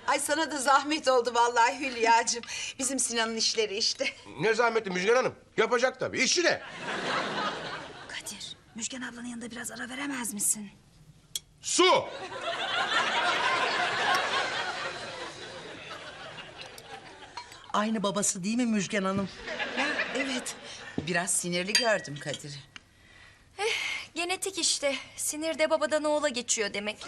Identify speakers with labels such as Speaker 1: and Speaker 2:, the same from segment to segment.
Speaker 1: Ay sana da zahmet oldu vallahi Hülya'cığım. Bizim Sinan'ın işleri işte.
Speaker 2: Ne zahmetli Müjgan Hanım. Yapacak tabii. İşi ne?
Speaker 3: Kadir, Müjgan ablanın yanında biraz ara veremez misin?
Speaker 2: Su!
Speaker 4: Aynı babası değil mi Müjgan Hanım?
Speaker 1: Ya, evet. Biraz sinirli gördüm Kadir'i.
Speaker 5: Genetik işte. Sinir de babadan oğula geçiyor demek.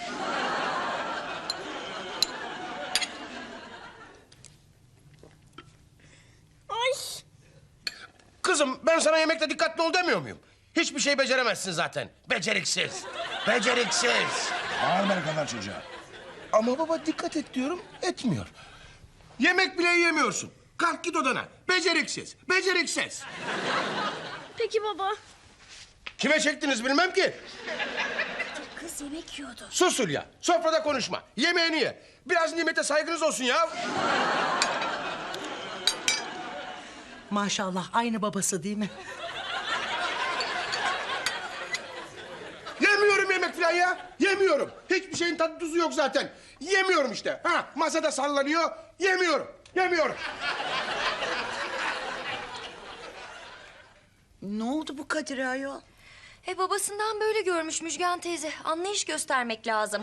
Speaker 2: Kızım ben sana yemekte dikkatli ol demiyor muyum? Hiçbir şey beceremezsin zaten. Beceriksiz. Beceriksiz.
Speaker 6: Bağırma ne kadar çocuğa.
Speaker 2: Ama baba dikkat et diyorum, etmiyor. Yemek bile yemiyorsun. Kalk git odana. Beceriksiz. Beceriksiz.
Speaker 5: Peki baba.
Speaker 2: Kime çektiniz bilmem ki.
Speaker 3: Kız yemek yiyordu.
Speaker 2: Sus Hülya. Sofrada konuşma. Yemeğini ye. Biraz nimete saygınız olsun ya.
Speaker 4: Maşallah aynı babası değil mi?
Speaker 2: Yemiyorum yemek falan ya. Yemiyorum. Hiçbir şeyin tadı tuzu yok zaten. Yemiyorum işte. Ha, masada sallanıyor. Yemiyorum. Yemiyorum.
Speaker 1: Ne oldu bu Kadir'e ayol?
Speaker 5: Babasından böyle görmüş Müjgan teyze. Anlayış göstermek lazım.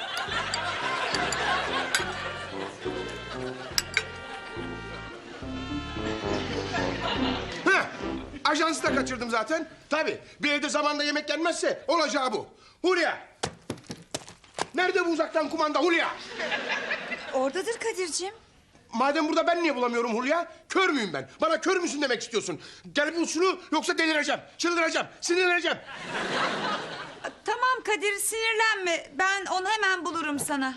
Speaker 2: Ha, ajansı da kaçırdım zaten. Tabii bir evde zamanda yemek yenmezse olacağı bu. Hulya. Nerede bu uzaktan kumanda Hulya?
Speaker 3: Oradadır Kadir'cim.
Speaker 2: Madem burada ben niye bulamıyorum Hulya? Kör müyüm ben? Bana kör müsün demek istiyorsun. Gel bul şunu yoksa delireceğim, çıldıracağım, sinirleneceğim.
Speaker 3: Tamam Kadir, sinirlenme. Ben onu hemen bulurum sana.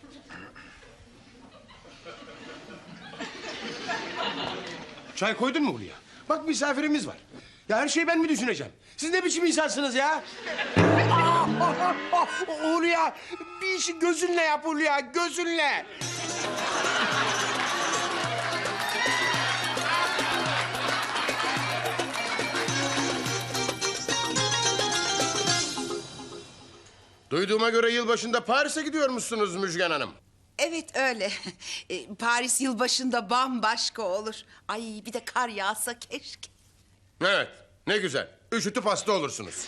Speaker 2: Çay koydun mu Hulya? Bak misafirimiz var. Ya her şeyi ben mi düşüneceğim? Siz ne biçim insansınız ya? Hulya, bir işi gözünle yap Hulya, gözünle. Duyduğuma göre yılbaşında Paris'e gidiyormuşsunuz Müjgan Hanım.
Speaker 1: Evet öyle. Paris yılbaşında bambaşka olur. Ay bir de kar yağsa keşke.
Speaker 2: Evet, ne güzel. Üşütüp hasta olursunuz.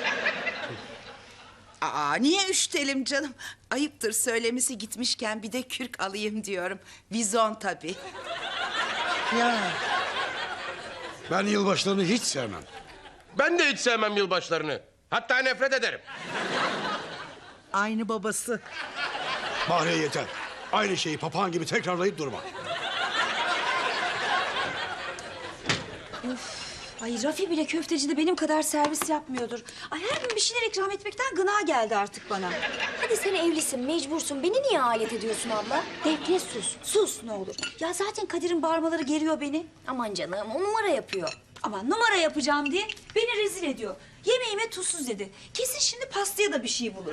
Speaker 1: Aa niye üşütelim canım? Ayıptır söylemesi, gitmişken bir de kürk alayım diyorum. Vizon tabii.
Speaker 4: Ya
Speaker 6: Ben yılbaşlarını hiç sevmem.
Speaker 2: Ben de hiç sevmem yılbaşlarını. Hatta nefret ederim.
Speaker 4: aynı babası.
Speaker 6: Bahriye yeter. Aynı şeyi papağan gibi tekrarlayıp durma.
Speaker 3: Ay Rafi bile köftecide benim kadar servis yapmıyordur. Ay her gün bir şeyler ikram etmekten gına geldi artık bana.
Speaker 5: Hadi sen evlisin, mecbursun. Beni niye alet ediyorsun abla?
Speaker 3: Defne sus, sus ne olur. Ya zaten Kadir'in bağırmaları geriyor beni.
Speaker 5: Aman canım, o numara yapıyor.
Speaker 3: Ama numara yapacağım diye beni rezil ediyor. Yemeğime tuzsuz dedi. Kesin şimdi pastaya da bir şey bulur.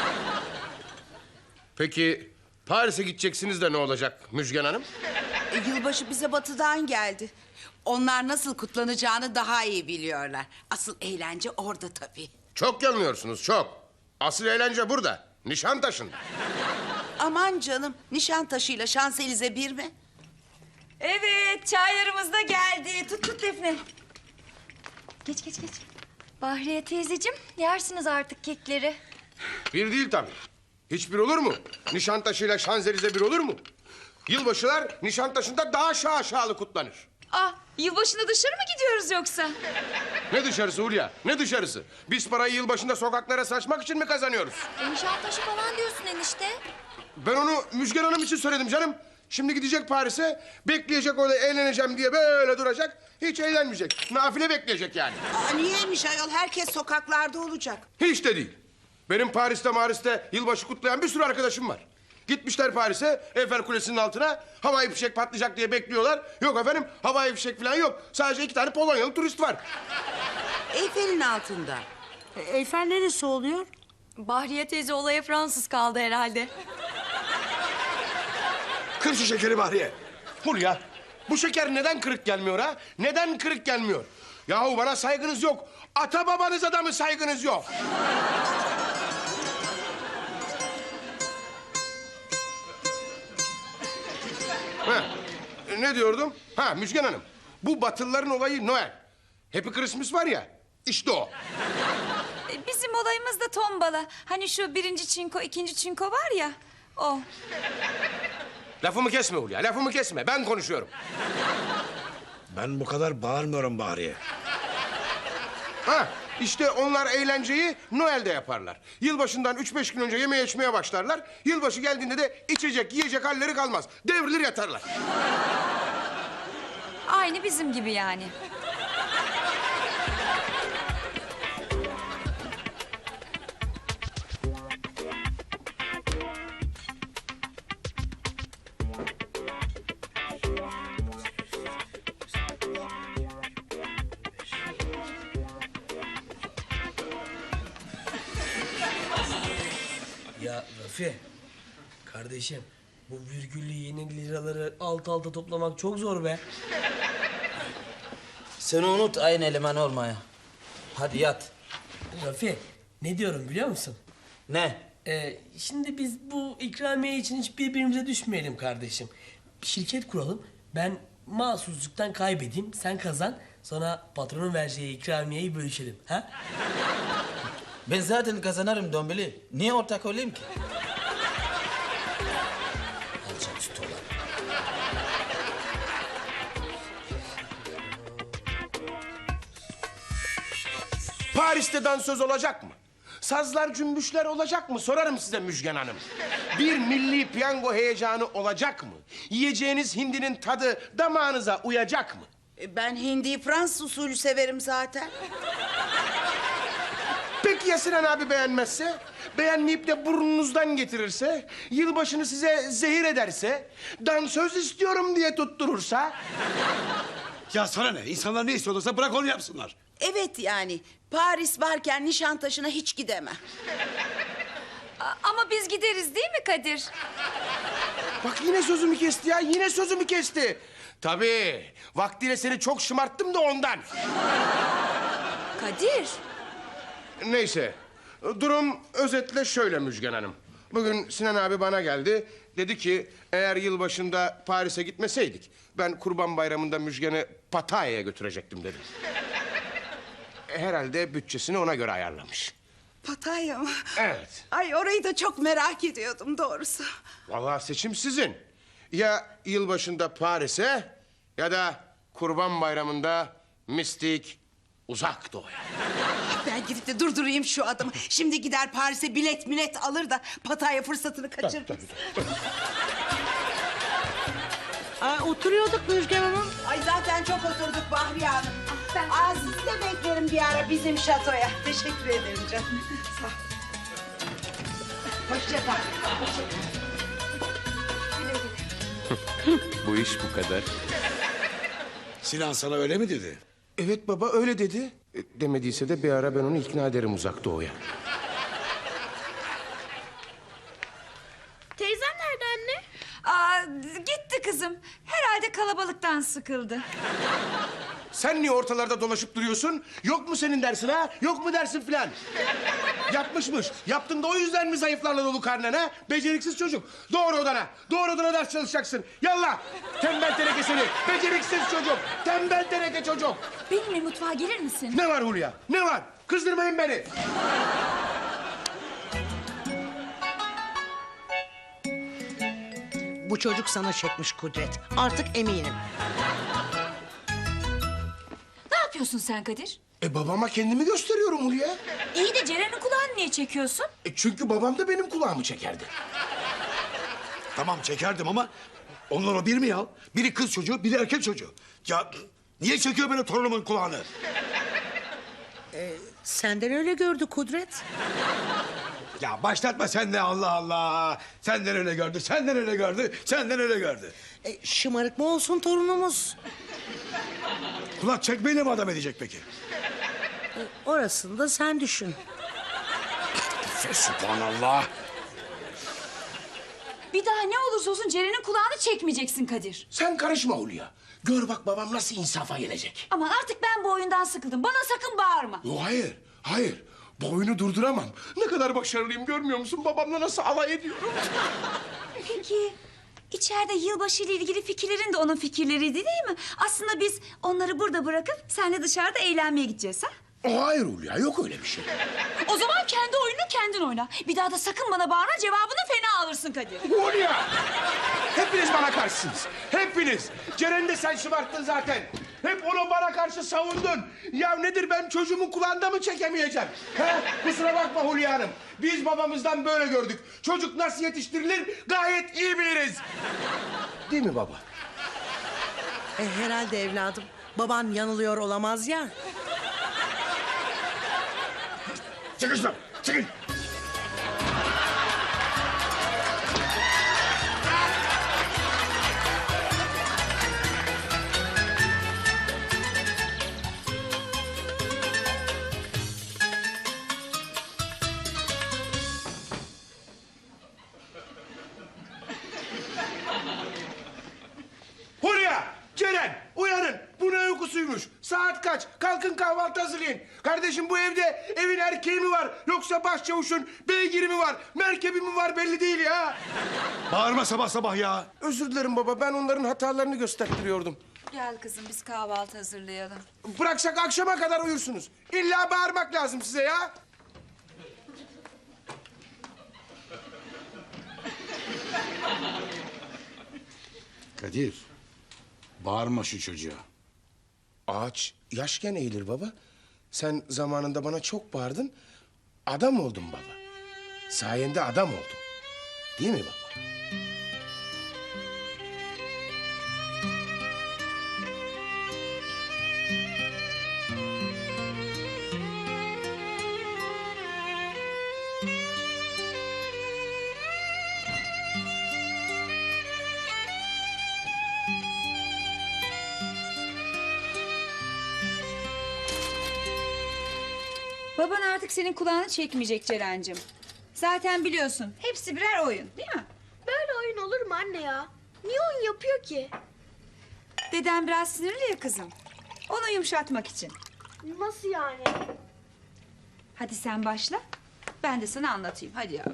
Speaker 2: Peki Paris'e gideceksiniz de ne olacak Müjgan Hanım?
Speaker 1: Yılbaşı bize batıdan geldi. Onlar nasıl kutlanacağını daha iyi biliyorlar. Asıl eğlence orada tabii.
Speaker 2: Çok yanılıyorsunuz, çok. Asıl eğlence burada, Nişantaşı'nda.
Speaker 1: Aman canım, Nişantaşı'yla Şanselize bir mi?
Speaker 3: Evet, çaylarımız da geldi. Tut tut Defne. Geç geç geç.
Speaker 5: Bahriye teyzeciğim, yersiniz artık kekleri.
Speaker 2: Bir değil tabii. Hiçbir olur mu? Nişantaşı'yla Şanzelize bir olur mu? Yılbaşılar Nişantaşı'nda daha şaşalı kutlanır.
Speaker 3: Ah, yılbaşında dışarı mı gidiyoruz yoksa?
Speaker 2: Ne dışarısı Hulya, ne dışarısı? Biz parayı yılbaşında sokaklara saçmak için mi kazanıyoruz?
Speaker 5: Nişantaşı falan diyorsun enişte.
Speaker 2: Ben onu Müjgan Hanım için söyledim canım. Şimdi gidecek Paris'e, bekleyecek orada eğleneceğim diye böyle duracak. Hiç eğlenmeyecek. Nafile bekleyecek yani.
Speaker 1: Aa, niyeymiş ayol? Herkes sokaklarda olacak.
Speaker 2: Hiç de değil. Benim Paris'te yılbaşı kutlayan bir sürü arkadaşım var. Gitmişler Paris'e, Eiffel Kulesi'nin altına havai fişek patlayacak diye bekliyorlar. Yok efendim, havai fişek falan yok. Sadece 2 tane Polonyalı turist var.
Speaker 1: Eyfel'in altında.
Speaker 4: Eyfel neresi oluyor?
Speaker 5: Bahriye teyze olaya Fransız kaldı herhalde.
Speaker 6: Kır şu şekeri Bahriye.
Speaker 2: Hulya, bu şeker neden kırık gelmiyor ha? Neden kırık gelmiyor? Yahu bana saygınız yok. Ata babanıza da mı saygınız yok? Ha, ne diyordum? Ha Müjgan Hanım. Bu Batılıların olayı Noel. Happy Christmas var ya. İşte o.
Speaker 3: Bizim olayımız da tombala. Hani şu birinci çinko, ikinci çinko var ya. O.
Speaker 2: Lafımı kesme Hulya. Lafımı kesme. Ben konuşuyorum.
Speaker 6: Ben bu kadar bağırmıyorum Bahriye.
Speaker 2: Ha işte onlar eğlenceyi Noel'de yaparlar. Yılbaşından 3-5 gün önce yemeye içmeye başlarlar. Yılbaşı geldiğinde de içecek, yiyecek halleri kalmaz. Devrilir yatarlar.
Speaker 3: Aynı bizim gibi yani.
Speaker 7: Ya Rafi, kardeşim bu virgüllü yeni liraları alt alta toplamak çok zor be.
Speaker 8: Sen unut aynı eleman olmaya. Hadi yat.
Speaker 7: Rafi, ne diyorum biliyor musun?
Speaker 8: Ne?
Speaker 7: Şimdi biz bu ikramiye için hiç birbirimize düşmeyelim kardeşim. Bir şirket kuralım, ben mahsusluktan kaybedeyim, sen kazan. Sonra patronun vereceği ikramiyeyi bölüşelim, ha?
Speaker 8: Ben zaten kazanırım Dombili. Niye ortak olayım ki? Alacak üstü olan.
Speaker 2: Paris'te dansöz olacak mı? Sazlar cümbüşler olacak mı? Sorarım size Müjgan Hanım. Bir milli piyango heyecanı olacak mı? Yiyeceğiniz hindinin tadı damağınıza uyacak mı?
Speaker 1: Ben hindiyi Fransız usulü severim zaten.
Speaker 2: Peki ya Sinan abi beğenmezse? Beğenmeyip de burnunuzdan getirirse? Yılbaşını size zehir ederse? Dansöz istiyorum diye tutturursa?
Speaker 6: Ya sana ne? İnsanlar ne istiyorlarsa bırak onu yapsınlar.
Speaker 1: Evet yani Paris varken Nişantaşı'na hiç gidemem.
Speaker 3: Ama biz gideriz değil mi Kadir?
Speaker 2: Bak yine sözümü kesti ya, yine sözümü kesti. Tabii, vaktiyle seni çok şımarttım da ondan.
Speaker 3: Kadir.
Speaker 2: Neyse, durum özetle şöyle Müjgan Hanım. Bugün Sinan abi bana geldi. Dedi ki eğer yılbaşında Paris'e gitmeseydik... ...ben Kurban Bayramı'nda Müjgan'ı Pattaya'ya götürecektim dedi. Herhalde bütçesini ona göre ayarlamış.
Speaker 1: Pattaya mı?
Speaker 2: Evet.
Speaker 1: Ay orayı da çok merak ediyordum doğrusu.
Speaker 2: Vallahi seçim sizin. Ya yılbaşında Paris'e ya da Kurban Bayramı'nda mistik Uzak Doğu'ya.
Speaker 1: Ben gidip de durdurayım şu adamı. Şimdi gider Paris'e bilet millet alır da Pattaya fırsatını kaçırır.
Speaker 4: Oturuyorduk Müjgan Hanım.
Speaker 1: Ay zaten çok oturduk Bahriye Hanım. Aziz de beklerim bir ara bizim şatoya. Teşekkür ederim canım. Sağ ol. Hoşça kal. Hoşça kal. Güle güle.
Speaker 2: Bu iş bu kadar.
Speaker 6: Sinan sana öyle mi dedi?
Speaker 2: Evet baba öyle dedi. Demediyse de bir ara ben onu ikna ederim Uzak Doğu'ya.
Speaker 5: Teyzem nerede anne?
Speaker 3: Gitti kızım. Herhalde kalabalıktan sıkıldı.
Speaker 2: Sen niye ortalarda dolaşıp duruyorsun? Yok mu senin dersin ha? Yok mu dersin filan? Yapmışmış. Yaptın da o yüzden mi zayıflarla dolu karnen ha? Beceriksiz çocuk. Doğru odana. Doğru odana ders çalışacaksın. Yallah. Tembel teneke seni. Beceriksiz çocuk. Tembel teneke çocuk.
Speaker 3: Benimle mutfağa gelir misin?
Speaker 2: Ne var Hulya? Ne var? Kızdırmayın beni.
Speaker 4: Bu çocuk sana çekmiş Kudret. Artık eminim.
Speaker 3: Ne yapıyorsun sen Kadir?
Speaker 2: Babama kendimi gösteriyorum Hulya.
Speaker 3: İyi de Ceren'in kulağını niye çekiyorsun?
Speaker 2: Çünkü babam da benim kulağımı çekerdi.
Speaker 6: Tamam çekerdim ama onlar o bir mi ya? Biri kız çocuğu, biri erkek çocuğu. Ya niye çekiyor benim torunumun kulağını?
Speaker 4: Senden öyle gördü Kudret.
Speaker 6: Ya başlatma sen de Allah Allah. Senden öyle gördü, senden öyle gördü, senden öyle gördü.
Speaker 4: Şımarık mı olsun torunumuz?
Speaker 6: Kulak çekmeyle mi adam edecek peki?
Speaker 4: Orasını da sen düşün.
Speaker 6: Sübhanallah.
Speaker 3: Bir daha ne olursa olsun Ceren'in kulağını çekmeyeceksin Kadir.
Speaker 2: Sen karışma Hulya. Gör bak babam nasıl insafa gelecek.
Speaker 3: Aman artık ben bu oyundan sıkıldım. Bana sakın bağırma.
Speaker 2: Yo, hayır, hayır. Bu oyunu durduramam. Ne kadar başarılıyım görmüyor musun? Babamla nasıl alay ediyorum?
Speaker 3: Peki İçeride yılbaşı ile ilgili fikirlerin de onun fikirleriydi değil mi? Aslında biz onları burada bırakıp seninle dışarıda eğlenmeye gideceğiz ha?
Speaker 2: Hayır Hulya, yok öyle bir şey.
Speaker 3: O zaman kendi oyununu kendin oyna. Bir daha da sakın bana bağırma, cevabını fena alırsın Kadir.
Speaker 2: Hulya! Hepiniz bana karşısınız. Hepiniz. Ceren'i de sen şımarttın zaten. Hep onu bana karşı savundun. Ya nedir, ben çocuğumun kulağında mı çekemeyeceğim? He? Kusura bakma Hulya Hanım. Biz babamızdan böyle gördük. Çocuk nasıl yetiştirilir gayet iyi biliriz. Değil mi baba?
Speaker 4: Herhalde evladım. Baban yanılıyor olamaz ya.
Speaker 2: Çıkın şuradan, çıkın. Hulya, Ceren, uyanın. Bu ne uykusuymuş? Saat kaç? Kalkın kahvaltı hazırlayın. Kardeşim, bu evde evin erkeği mi var? Yoksa başçavuşun beygiri mi var? Merkebi mi var belli değil ya.
Speaker 6: Bağırma sabah sabah ya.
Speaker 2: Özür dilerim baba, ben onların hatalarını gösterttiriyordum.
Speaker 3: Gel kızım, biz kahvaltı hazırlayalım.
Speaker 2: Bıraksak akşama kadar uyursunuz. İlla bağırmak lazım size ya.
Speaker 6: Kadir, bağırma şu çocuğa.
Speaker 2: Ağaç yaşken eğilir baba. Sen zamanında bana çok bağırdın. Adam oldum baba. Sayende adam oldum. Değil mi baba?
Speaker 3: Baban artık senin kulağını çekmeyecek Ceren'cim. Zaten biliyorsun, hepsi birer oyun değil mi?
Speaker 5: Böyle oyun olur mu anne ya? Niye oyun yapıyor ki?
Speaker 3: Deden biraz sinirli ya kızım. Onu yumuşatmak için.
Speaker 5: Nasıl yani?
Speaker 3: Hadi sen başla, ben de sana anlatayım. Hadi ya.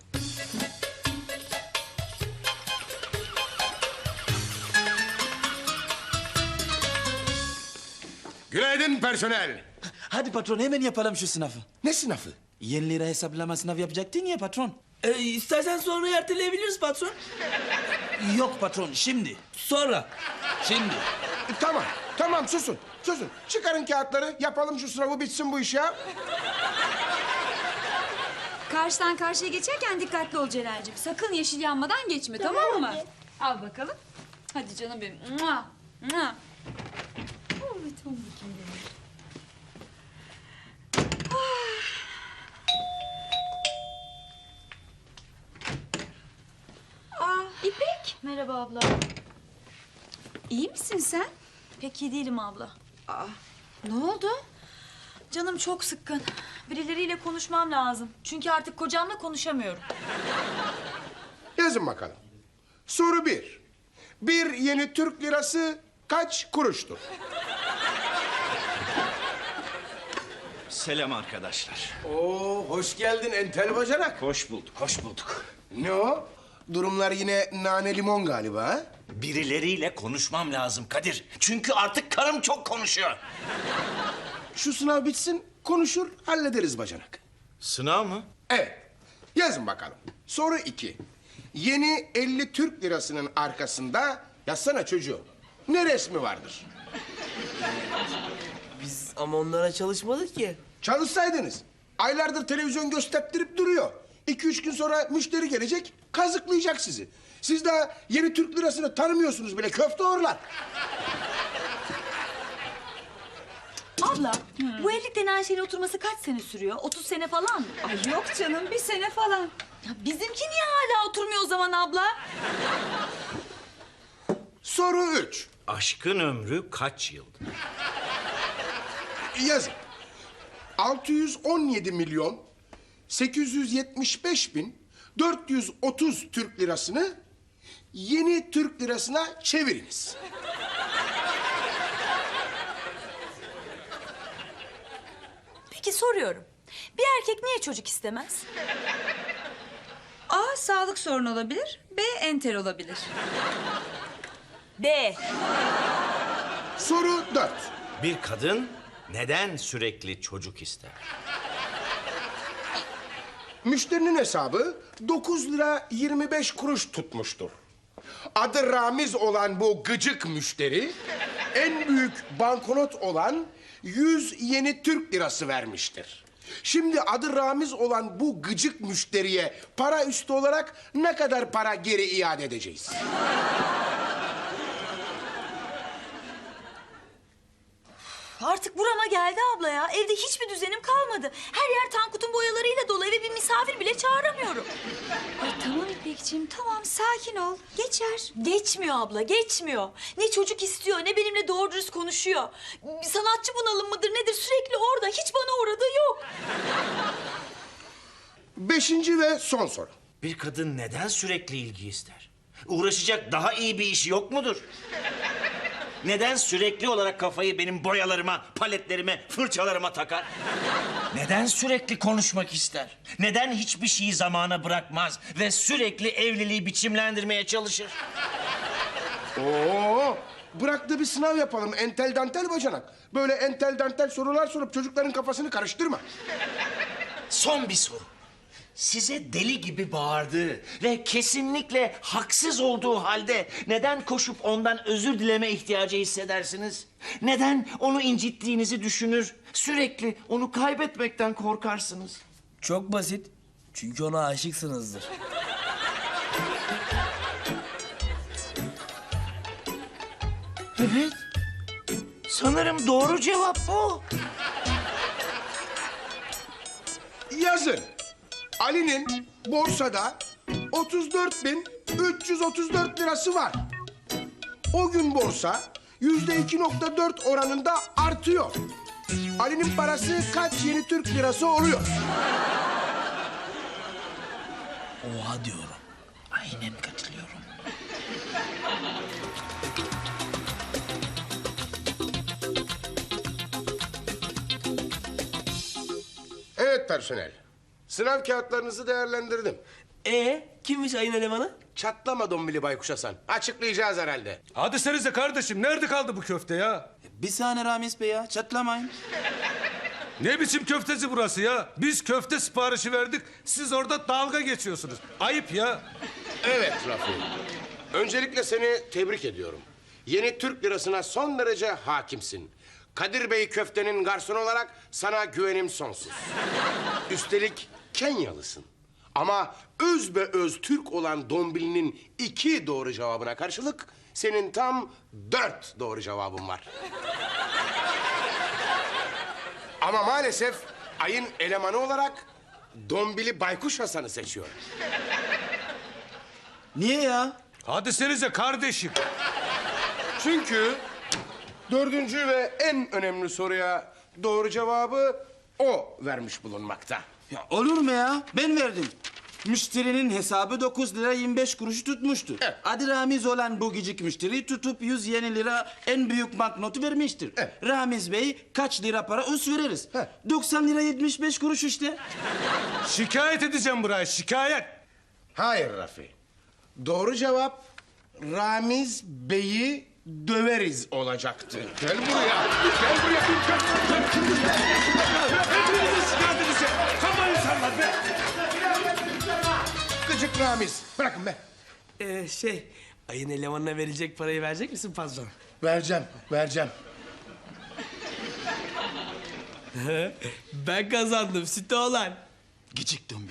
Speaker 2: Günaydın personel.
Speaker 8: Hadi patron hemen yapalım şu sınavı.
Speaker 2: Ne sınavı?
Speaker 8: Yeni lira hesaplama sınavı yapacaktın ya patron.
Speaker 7: İstersen sonra erteleyebiliriz patron.
Speaker 8: Yok patron şimdi.
Speaker 7: Sonra.
Speaker 8: Şimdi.
Speaker 2: Tamam, tamam, susun, susun. Çıkarın kağıtları, yapalım şu sınavı, bitsin bu iş ya.
Speaker 3: Karşıdan karşıya geçerken dikkatli ol Ceren'cim. Sakın yeşil yanmadan geçme, tamam mı?
Speaker 5: anne.
Speaker 3: Al bakalım. Hadi canım benim. Mua, mua. Evet, tamam bakayım benim.
Speaker 5: İpek. Merhaba abla.
Speaker 3: İyi misin sen?
Speaker 5: Pek iyi değilim abla.
Speaker 3: Ne oldu?
Speaker 5: Canım çok sıkkın. Birileriyle konuşmam lazım. Çünkü artık kocamla konuşamıyorum.
Speaker 2: Yazın bakalım. Soru 1. Bir yeni Türk lirası kaç kuruştur?
Speaker 9: Selam arkadaşlar.
Speaker 2: Oo, hoş geldin entel bacanak.
Speaker 9: Hoş bulduk, hoş bulduk.
Speaker 2: Ne o? Durumlar yine nane limon galiba ha?
Speaker 9: Birileriyle konuşmam lazım Kadir. Çünkü artık karım çok konuşuyor.
Speaker 2: Şu sınav bitsin, konuşur, hallederiz bacanak.
Speaker 9: Sınav mı?
Speaker 2: Evet, yazın bakalım. Soru 2. Yeni 50 Türk lirasının arkasında, yazsana çocuğum, ne resmi vardır?
Speaker 7: Biz ama onlara çalışmadık ki.
Speaker 2: Çalışsaydınız. Aylardır televizyon gösterttirip duruyor. 2-3 gün sonra müşteri gelecek, kazıklayacak sizi. Siz daha yeni Türk lirasını tanımıyorsunuz bile, köfte orlar.
Speaker 5: Abla, bu evlilik denen şeyin oturması kaç sene sürüyor? 30 sene falan mı?
Speaker 3: Ay yok canım, 1 sene falan.
Speaker 5: Ya bizimki niye hala oturmuyor o zaman abla?
Speaker 2: Soru 3.
Speaker 9: Aşkın ömrü kaç yıl?
Speaker 2: Yazın. 617 milyon 875 bin 430 Türk lirasını yeni Türk lirasına çeviriniz.
Speaker 5: Peki soruyorum. Bir erkek niye çocuk istemez?
Speaker 3: A. Sağlık sorunu olabilir. B. Entel olabilir.
Speaker 5: B.
Speaker 2: Soru 4.
Speaker 9: Bir kadın neden sürekli çocuk ister?
Speaker 2: Müşterinin hesabı 9 lira 25 kuruş tutmuştur. Adı Ramiz olan bu gıcık müşteri en büyük banknot olan 100 yeni Türk lirası vermiştir. Şimdi adı Ramiz olan bu gıcık müşteriye para üstü olarak ne kadar para geri iade edeceğiz?
Speaker 5: Artık burama geldi abla ya. Evde hiçbir düzenim kalmadı. Her yer Tankut'un boyalarıyla dolu. Eve bir misafir bile çağıramıyorum.
Speaker 3: Ay tamam İpekciğim tamam sakin ol. Geçer.
Speaker 5: Geçmiyor abla, geçmiyor. Ne çocuk istiyor, ne benimle doğru dürüst konuşuyor. Bir sanatçı bunalım mıdır nedir sürekli orada. Hiç bana uğradığı yok.
Speaker 2: 5. ve son soru.
Speaker 9: Bir kadın neden sürekli ilgi ister? Uğraşacak daha iyi bir işi yok mudur? Neden sürekli olarak kafayı benim boyalarıma, paletlerime, fırçalarıma takar? Neden sürekli konuşmak ister? Neden hiçbir şeyi zamana bırakmaz ve sürekli evliliği biçimlendirmeye çalışır?
Speaker 2: Oo, bırak da bir sınav yapalım entel dantel bacanak. Böyle entel dantel sorular sorup çocukların kafasını karıştırma.
Speaker 9: Son bir soru. Size deli gibi bağırdığı ve kesinlikle haksız olduğu halde neden koşup ondan özür dileme ihtiyacı hissedersiniz? Neden onu incittiğinizi düşünür, sürekli onu kaybetmekten korkarsınız?
Speaker 7: Çok basit. Çünkü ona aşıksınızdır.
Speaker 9: Evet. Sanırım doğru cevap bu.
Speaker 2: Yazın. Ali'nin borsada 34.334 lirası var. O gün borsa %2.4 oranında artıyor. Ali'nin parası kaç yeni Türk lirası oluyor?
Speaker 7: Oha diyorum.
Speaker 8: Aynen katılıyorum.
Speaker 2: Evet personel. Sınav kağıtlarınızı değerlendirdim.
Speaker 7: Kimmiş ayın elemanı?
Speaker 2: Çatlama Dombili Baykuş Hasan. Açıklayacağız herhalde.
Speaker 10: Hadi senize kardeşim, nerede kaldı bu köfte ya?
Speaker 8: Bir saniye Ramiz Bey ya, çatlamayın.
Speaker 10: Ne biçim köftesi burası ya? Biz köfte siparişi verdik, siz orada dalga geçiyorsunuz. Ayıp ya.
Speaker 2: Evet Rafi. Öncelikle seni tebrik ediyorum. Yeni Türk lirasına son derece hakimsin. Kadir Bey köftenin garsonu olarak sana güvenim sonsuz. Üstelik Kenyalısın. Ama öz be öz Türk olan Dombili'nin 2 doğru cevabına karşılık senin tam 4 doğru cevabın var. Ama maalesef ayın elemanı olarak Dombili Baykuş Hasan'ı seçiyorum.
Speaker 8: Niye ya?
Speaker 10: Hadi senize kardeşim.
Speaker 2: Çünkü 4. ve en önemli soruya doğru cevabı o vermiş bulunmakta.
Speaker 8: Ya olur mu ya? Ben verdim. Müşterinin hesabı 9 lira 25 kuruşu tutmuştur.
Speaker 2: Evet.
Speaker 8: Adı Ramiz olan bu gıcık müşteri tutup 100 yeni lira en büyük banknotu vermiştir.
Speaker 2: Evet.
Speaker 8: Ramiz Bey kaç lira para üst veririz?
Speaker 2: Evet.
Speaker 8: 90 lira 75 kuruş işte.
Speaker 10: Şikayet edeceğim buraya, şikayet.
Speaker 2: Hayır Rafi. Doğru cevap Ramiz Bey'i döveriz olacaktı. Gel buraya. Gel buraya.
Speaker 10: Hepinizi şikayet edeceğim. Kafa insanlar be.
Speaker 2: Gıcık Ramiz. Bırakın be.
Speaker 7: Ayın elemanına verecek parayı verecek misin patron?
Speaker 2: Vereceğim.
Speaker 7: Ben kazandım sütü olan.
Speaker 8: Gıcık dombi.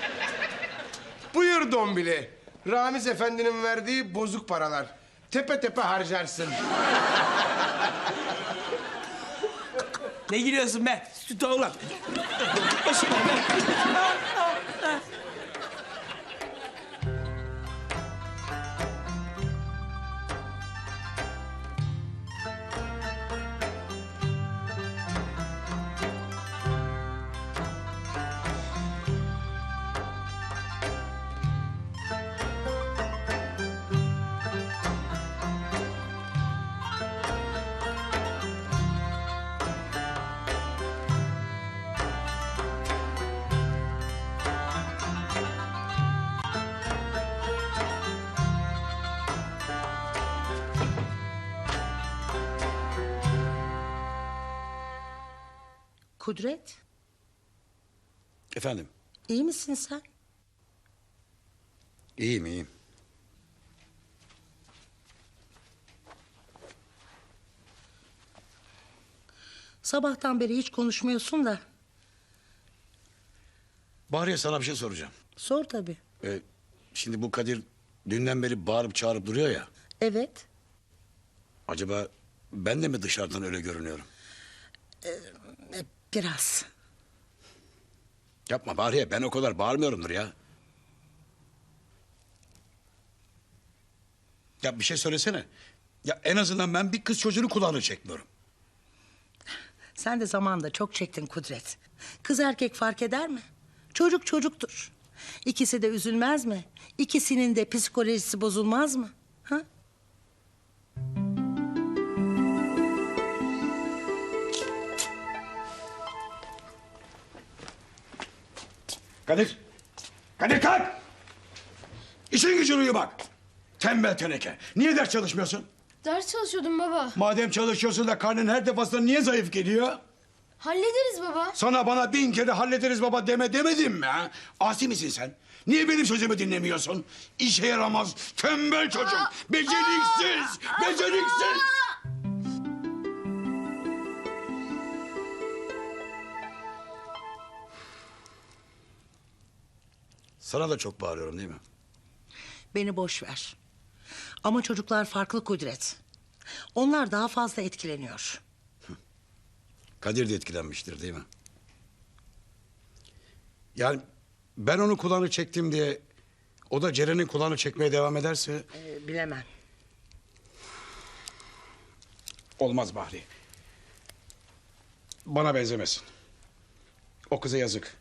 Speaker 2: Buyur Dombili. Ramiz Efendi'nin verdiği bozuk paralar. Tepe tepe harcarsın.
Speaker 7: Ne gülüyorsun be? Sütü olan. Başıma be.
Speaker 4: Kudret,
Speaker 6: Efendim?
Speaker 4: iyi misin sen?
Speaker 6: İyiyim, iyiyim.
Speaker 4: Sabahtan beri hiç konuşmuyorsun da.
Speaker 6: Bahriye, sana bir şey soracağım.
Speaker 4: Sor tabii.
Speaker 6: Şimdi bu Kadir dünden beri bağırıp çağırıp duruyor ya.
Speaker 4: Evet.
Speaker 6: Acaba ben de mi dışarıdan öyle görünüyorum?
Speaker 4: Biraz.
Speaker 6: Yapma Bahriye, ben o kadar bağırmıyorumdur ya. Ya bir şey söylesene. Ya en azından ben bir kız çocuğunu kulağını çekmiyorum.
Speaker 4: Sen de zamanında çok çektin Kudret. Kız erkek fark eder mi? Çocuk çocuktur. İkisi de üzülmez mi? İkisinin de psikolojisi bozulmaz mı? Ha?
Speaker 6: Kadir! Kadir kalk! İşin gücün uyu bak. Tembel teneke. Niye ders çalışmıyorsun?
Speaker 11: Ders çalışıyordum baba.
Speaker 6: Madem çalışıyorsun da karnın her defasında niye zayıf geliyor?
Speaker 11: Hallederiz baba.
Speaker 6: Sana bana 1000 kere hallederiz baba demedim mi ha? Asi misin sen? Niye benim sözümü dinlemiyorsun? İşe yaramaz, tembel çocuk, beceriksiz, beceriksiz! Sana da çok bağırıyorum değil mi?
Speaker 4: Beni boş ver. Ama çocuklar farklı Kudret. Onlar daha fazla etkileniyor.
Speaker 6: Kadir de etkilenmiştir değil mi? Yani ben onu kulağını çektim diye... ...o da Ceren'in kulağını çekmeye devam ederse...
Speaker 4: Bilemem.
Speaker 6: Olmaz Bahri. Bana benzemesin. O kıza yazık.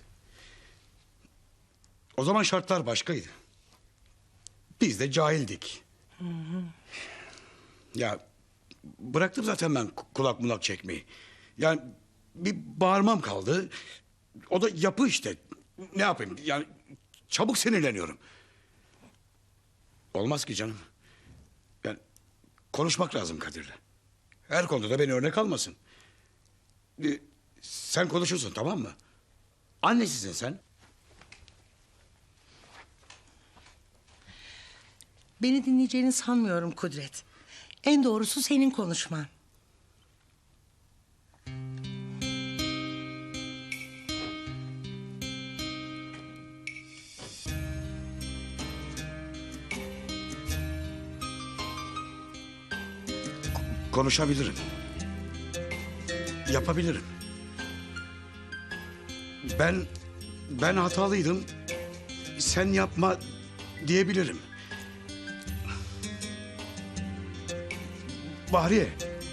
Speaker 6: O zaman şartlar başkaydı. Biz de cahildik. Ya bıraktım zaten ben kulak mulak çekmeyi. Yani bir bağırmam kaldı. O da yapı işte. Ne yapayım? Yani çabuk sinirleniyorum. Olmaz ki canım. Yani konuşmak lazım Kadir'le. Her konuda da beni örnek almasın. Sen konuşursun, tamam mı? Annesisin sen.
Speaker 4: Beni dinleyeceğini sanmıyorum Kudret. En doğrusu senin konuşman.
Speaker 6: Konuşabilirim. Yapabilirim. Ben hatalıydım. Sen yapma diyebilirim. Bahriye.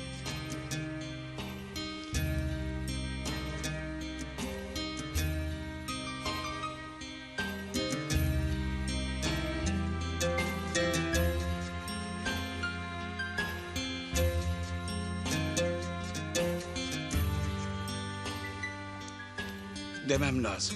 Speaker 6: Demem lazım.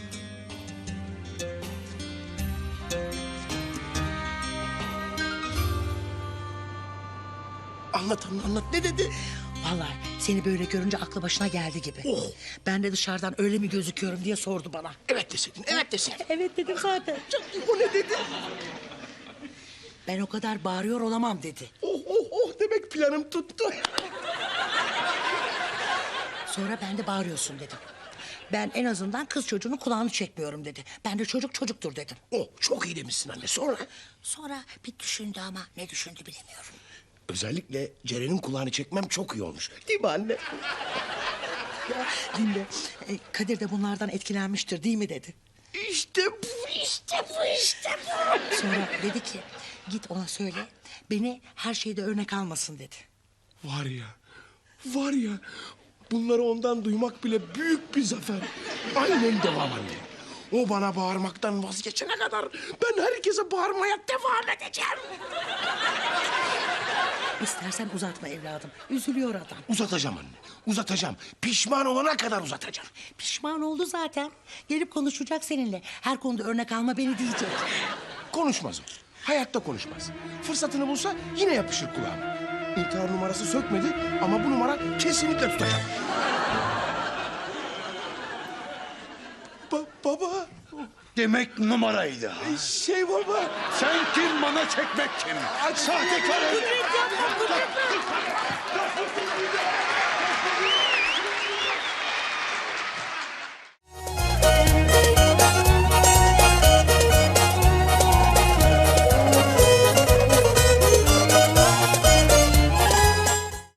Speaker 2: Anlat ne dedi?
Speaker 4: Vallahi seni böyle görünce aklı başına geldi gibi.
Speaker 2: Oh.
Speaker 4: Ben de dışarıdan öyle mi gözüküyorum diye sordu bana.
Speaker 2: Evet deseydin, evet deseydin.
Speaker 4: Evet dedim zaten.
Speaker 2: O ne dedi?
Speaker 4: Ben o kadar bağırıyor olamam dedi.
Speaker 2: Oh demek planım tuttu.
Speaker 4: Sonra ben de bağırıyorsun dedim. Ben en azından kız çocuğunun kulağını çekmiyorum dedi. Ben de çocuk çocuktur dedim.
Speaker 2: Oh çok iyi demişsin anne. Sonra?
Speaker 4: Sonra bir düşündü ama ne düşündü bilemiyorum.
Speaker 2: Özellikle Ceren'in kulağını çekmem çok iyi olmuş. Değil mi anne?
Speaker 4: Ya dinle. Kadir de bunlardan etkilenmiştir değil mi dedi.
Speaker 2: İşte bu.
Speaker 4: Sonra dedi ki git ona söyle beni her şeyde örnek almasın dedi.
Speaker 2: Var ya. Bunları ondan duymak bile büyük bir zafer. Aynen devam anne. O bana bağırmaktan vazgeçene kadar ben herkese bağırmaya devam edeceğim.
Speaker 4: İstersen uzatma evladım. Üzülüyor adam.
Speaker 2: Uzatacağım anne. Uzatacağım. Pişman olana kadar uzatacağım.
Speaker 4: Pişman oldu zaten. Gelip konuşacak seninle. Her konuda örnek alma beni diyecek.
Speaker 2: Konuşmaz o. Hayatta konuşmaz. Fırsatını bulsa yine yapışır kulağıma. İntihar numarası sökmedi ama bu numara kesinlikle tutacak. Baba.
Speaker 6: Demek numaraydı ha.
Speaker 2: Baba.
Speaker 6: Sen kim, bana çekmek kim? Sahtekar herif.